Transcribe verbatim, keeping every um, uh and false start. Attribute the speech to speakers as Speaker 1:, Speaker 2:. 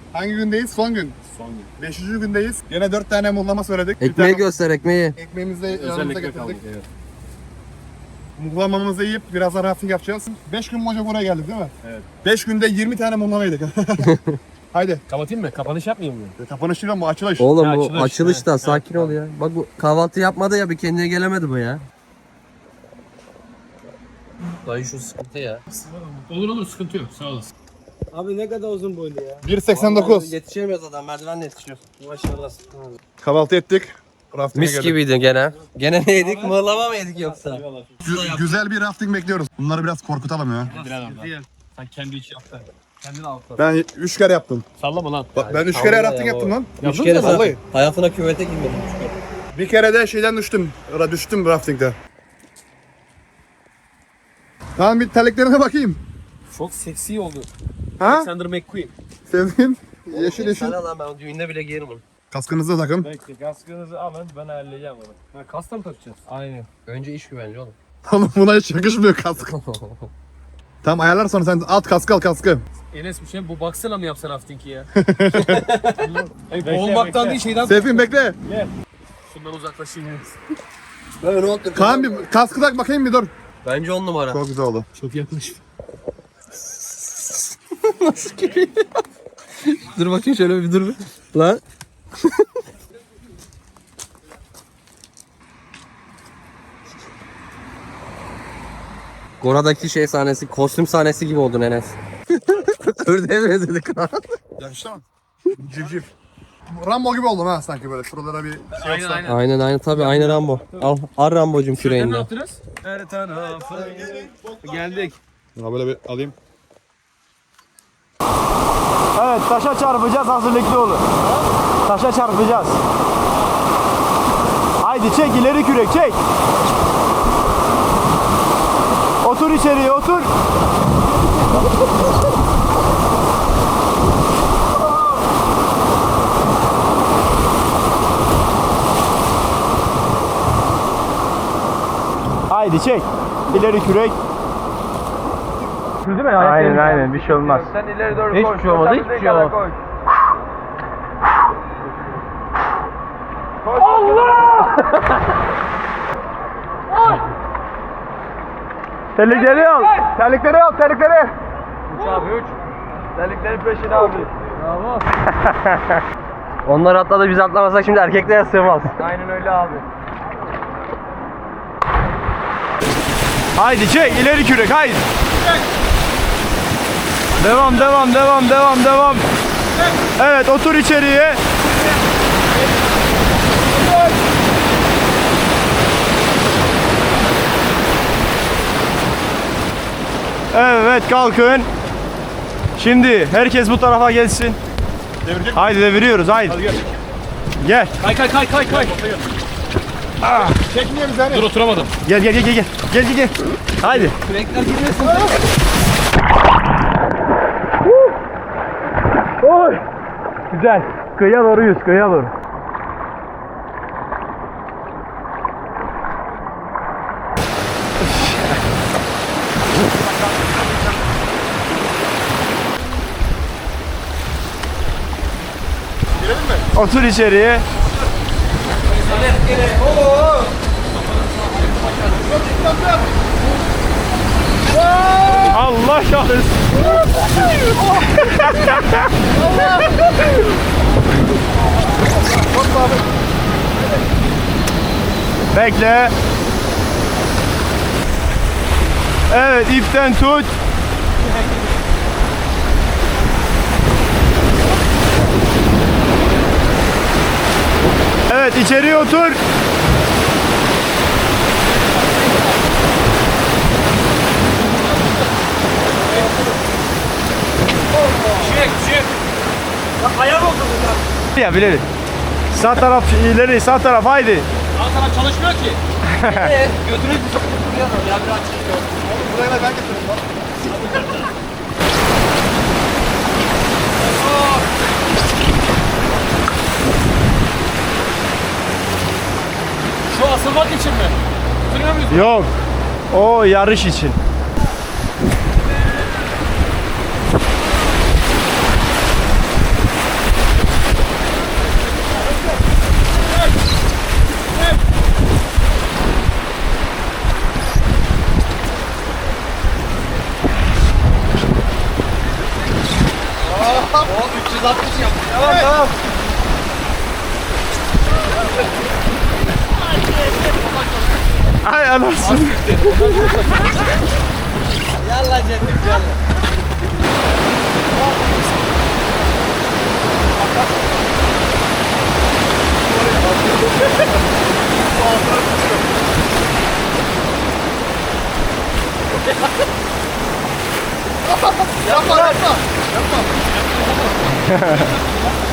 Speaker 1: Hangi gündeyiz? Son gün.
Speaker 2: Son gün.
Speaker 1: Beşinci gündeyiz. Yine dört tane muhlama söyledik.
Speaker 3: Ekmeği göster ekmeği.
Speaker 1: Ekmeğimizi de yanımıza
Speaker 2: Özellikle
Speaker 1: getirdik.
Speaker 2: kaldık. Evet.
Speaker 1: Muhlamamızı yiyip birazdan rafting yapacağız. beş gün boyunca buraya geldik değil mi?
Speaker 2: Evet.
Speaker 1: beş günde yirmi tane muhlama yedik. Haydi.
Speaker 2: Kapatayım mı? Kapanış yapmayayım mı?
Speaker 1: Kapanış değil ama bu açılış.
Speaker 3: Oğlum
Speaker 2: Ya
Speaker 3: bu
Speaker 2: açılış,
Speaker 3: açılış da
Speaker 2: evet.
Speaker 3: sakin ol ya. Bak bu kahvaltı yapmadı ya, bir kendine gelemedi bu ya. Dayı şu sıkıntı ya.
Speaker 2: Olur olur, sıkıntı yok. Sağ olasın.
Speaker 4: Abi ne kadar uzun boylu ya.
Speaker 1: bir seksen dokuz.
Speaker 3: Vallahi yetişemiyoruz adam, merdivenle yetişiyoruz.
Speaker 4: Maşallah.
Speaker 1: Kahvaltı ettik. Rafting'e
Speaker 3: Mis
Speaker 1: geldik.
Speaker 3: gibiydi gene. Gene ne yedik? Mıhlama mı yedik yoksa?
Speaker 1: Gü- güzel bir rafting bekliyoruz. Bunları biraz korkutalım ya.
Speaker 2: Sen kendi iç yaptın. Kendin al.
Speaker 1: Ben üç kere yaptım.
Speaker 2: Sallama lan.
Speaker 1: Bak ben üç kere rafting yaptım lan.
Speaker 3: Üç
Speaker 2: Yaptın
Speaker 3: kere
Speaker 2: mı?
Speaker 3: zaten.
Speaker 1: Vallahi.
Speaker 3: Hayatına küvete girmedim.
Speaker 1: Bir kere de şeyden düştüm. Ra düştüm raftingde. Tamam bir terliklerine bakayım.
Speaker 2: Çok seksi oldu.
Speaker 1: Ha?
Speaker 2: Alexander McQueen.
Speaker 1: Sevdin. Yeşil yeşil.
Speaker 3: Sana lan, ben o düğünde bile giyerim onu.
Speaker 1: Kaskınızı da takın.
Speaker 2: Bekle, kaskınızı alın, ben halledeceğim onu. Ha, kask da mı takacağız? Aynen.
Speaker 3: Önce iş güvence oğlum.
Speaker 1: Oğlum buna hiç yakışmıyor kask. Tamam ayarlar sonra sen at kaskı al kaskı.
Speaker 2: Enes bir şey, bu baksana mı yapsan rafting'i ya? Hayır, boğulmaktan değil, şeyden...
Speaker 1: Seyfin bekle.
Speaker 2: Şundan uzaklaşayım Enes.
Speaker 3: Ben onu otur.
Speaker 1: Kaan bir kaskı tak bakayım bir dur.
Speaker 3: Bence on numara.
Speaker 1: Çok güzel oldu.
Speaker 2: Çok yaklaş.
Speaker 3: Dur bakayım şöyle bir dur bir. Lan. Gora'daki şey sahnesi, kostüm sahnesi gibi oldun Enes. Ördeğe benzedik ha.
Speaker 1: Yakıştı mı? Civciv. Rambo gibi oldum ha sanki böyle. Şuralara bir şey
Speaker 2: Aynen
Speaker 1: yapsam.
Speaker 2: aynen.
Speaker 3: Aynen aynen tabii, aynı Rambo. Al, al Rambo'cum
Speaker 2: Şöyle ne
Speaker 3: küreğini.
Speaker 2: yaptınız? Her tarafı. Geldik.
Speaker 1: Ya böyle bir alayım.
Speaker 4: Evet taşa çarpacağız, hazırlıklı olun. Taşa çarpacağız. Haydi çek ileri kürek çek. Otur içeriye otur. Haydi çek. İleri kürek. Değil mi? Aynen aynen bir şey olmaz. Sen ileri doğru koy. Hiçbir şey olmadı, hiçbir şey olmadı. Terlikleri al. Terlikleri al, terlikleri. Üç abi üç. Terlikleri peşine abi. Bravo.
Speaker 3: Onlar atladı, biz atlamasak şimdi erkeklere sığmaz.
Speaker 4: Aynen öyle abi. Haydi çek ileri kürek haydi. Devam devam devam devam devam. Evet otur içeriye. Evet kalkın. Şimdi herkes bu tarafa gelsin.
Speaker 1: Devirecek.
Speaker 4: Haydi deviriyoruz haydi.
Speaker 1: Hadi gel.
Speaker 4: Gel.
Speaker 2: Kay kay kay kay kay.
Speaker 1: Çekmiyor bizi hani.
Speaker 2: Dur, oturamadım.
Speaker 4: Gel gel gel gel gel. Gel gel gel. Haydi.
Speaker 3: Kürekler girmesin.
Speaker 4: Oy. Güzel. Kıyıya doğru yüz, kıyıya doğru.
Speaker 1: Girelim mi?
Speaker 4: Otur içeriye. Allah kahretsin. Bekle. Evet ipten tut. Evet içeriye otur.
Speaker 2: Çık çık. Ayağım oldu burada.
Speaker 4: Ya bilelim. Sağ taraf ileri, sağ taraf haydi.
Speaker 2: Sağ taraf çalışmıyor ki.
Speaker 3: Götürüp ya biraz çıkıyor.
Speaker 1: Buraya da ben getiririm lan.
Speaker 2: Şu asılmak için mi? Bitiriyor muyuz?
Speaker 4: Yok. O yarış için.
Speaker 2: üç yüz altmış yaptı.
Speaker 4: Tamam tamam.
Speaker 1: Ay anasını.
Speaker 2: Yallah cennet yallah.
Speaker 1: Yapma yapma. Yapma.